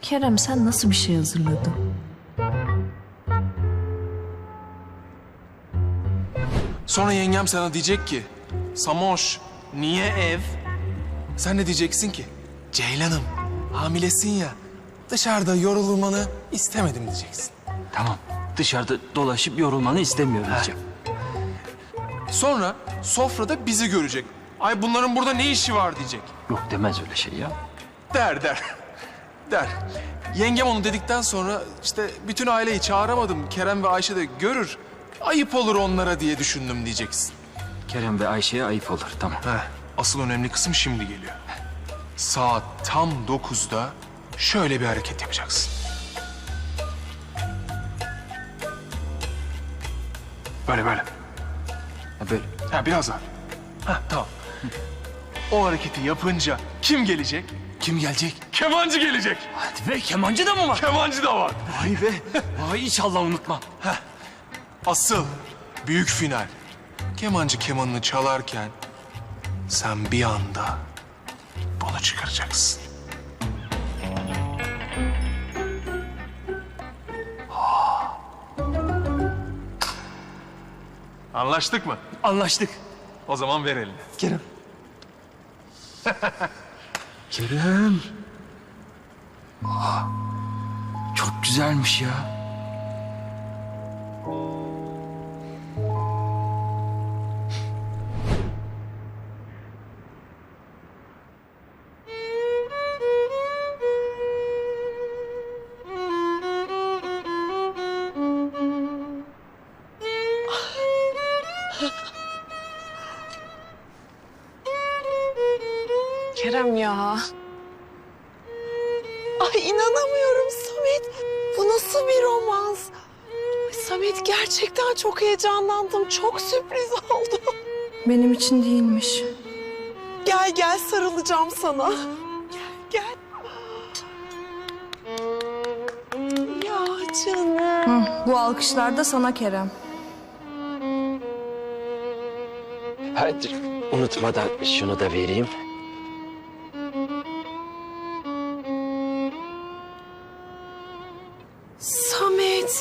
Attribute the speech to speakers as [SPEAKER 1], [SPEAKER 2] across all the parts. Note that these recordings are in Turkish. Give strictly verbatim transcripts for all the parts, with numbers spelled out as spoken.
[SPEAKER 1] Kerem, sen nasıl bir şey hazırladın?
[SPEAKER 2] Sonra yengem sana diyecek ki, Samoş, niye ev? Sen de diyeceksin ki, Ceylan'ım, hamilesin ya, dışarıda yorulmanı istemedim diyeceksin.
[SPEAKER 3] Tamam. Dışarıda dolaşıp yorulmanı istemiyorum diyeceğim.
[SPEAKER 2] Sonra sofrada bizi görecek. Ay bunların burada ne işi var diyecek.
[SPEAKER 3] Yok demez öyle şey ya.
[SPEAKER 2] Der der. Der. Yengem onu dedikten sonra işte bütün aileyi çağıramadım. Kerem ve Ayşe de görür. Ayıp olur onlara diye düşündüm diyeceksin.
[SPEAKER 3] Kerem ve Ayşe'ye ayıp olur. Tamam.
[SPEAKER 2] Heh, asıl önemli kısım şimdi geliyor. Saat tam dokuzda şöyle bir hareket yapacaksın. Böyle böyle.
[SPEAKER 3] Ha, böyle.
[SPEAKER 2] Ha biraz daha. Ha tamam. O hareketi yapınca kim gelecek?
[SPEAKER 3] Kim gelecek?
[SPEAKER 2] Kemancı gelecek.
[SPEAKER 3] Hadi be, kemancı da mı var?
[SPEAKER 2] Kemancı da var.
[SPEAKER 3] Vay be. Vay, inşallah unutmam.
[SPEAKER 2] Asıl büyük final. Kemancı kemanını çalarken sen bir anda bunu çıkaracaksın. Anlaştık mı?
[SPEAKER 3] Anlaştık.
[SPEAKER 2] O zaman ver elini.
[SPEAKER 3] Kerem. Kerem. Aa, çok güzelmiş ya.
[SPEAKER 4] Kerem ya. Ay inanamıyorum Samet. Bu nasıl bir romans? Ay, Samet gerçekten çok heyecanlandım. Çok sürpriz oldu.
[SPEAKER 1] Benim için değilmiş.
[SPEAKER 4] Gel gel sarılacağım sana. Gel gel. Ya canım.
[SPEAKER 1] Hı, bu alkışlar da sana Kerem.
[SPEAKER 3] Hadi unutmadan şunu da vereyim.
[SPEAKER 4] Samet.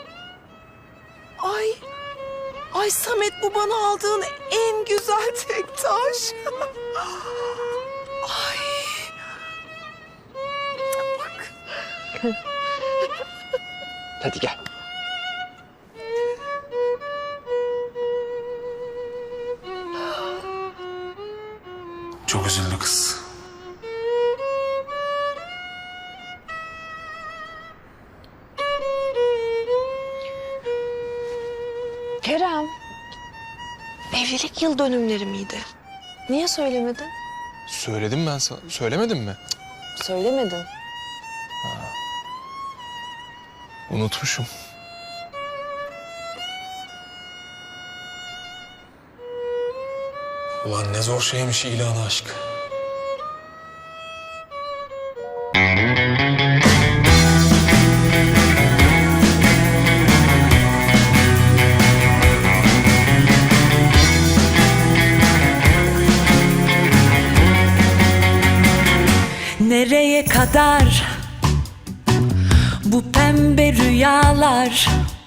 [SPEAKER 4] Ay. Ay Samet, bu bana aldığın en güzel tek taş. Ay. Bak.
[SPEAKER 3] Hadi gel.
[SPEAKER 2] Çok üzüldü kız.
[SPEAKER 4] Kerem. Evlilik yıl dönümleri miydi? Niye söylemedin?
[SPEAKER 2] Söyledim ben sana. Söylemedim mi?
[SPEAKER 4] Söylemedin.
[SPEAKER 2] Unutmuşum. Ulan ne zor şeymiş ilanı aşk.
[SPEAKER 5] Nereye kadar bu pembe rüyalar?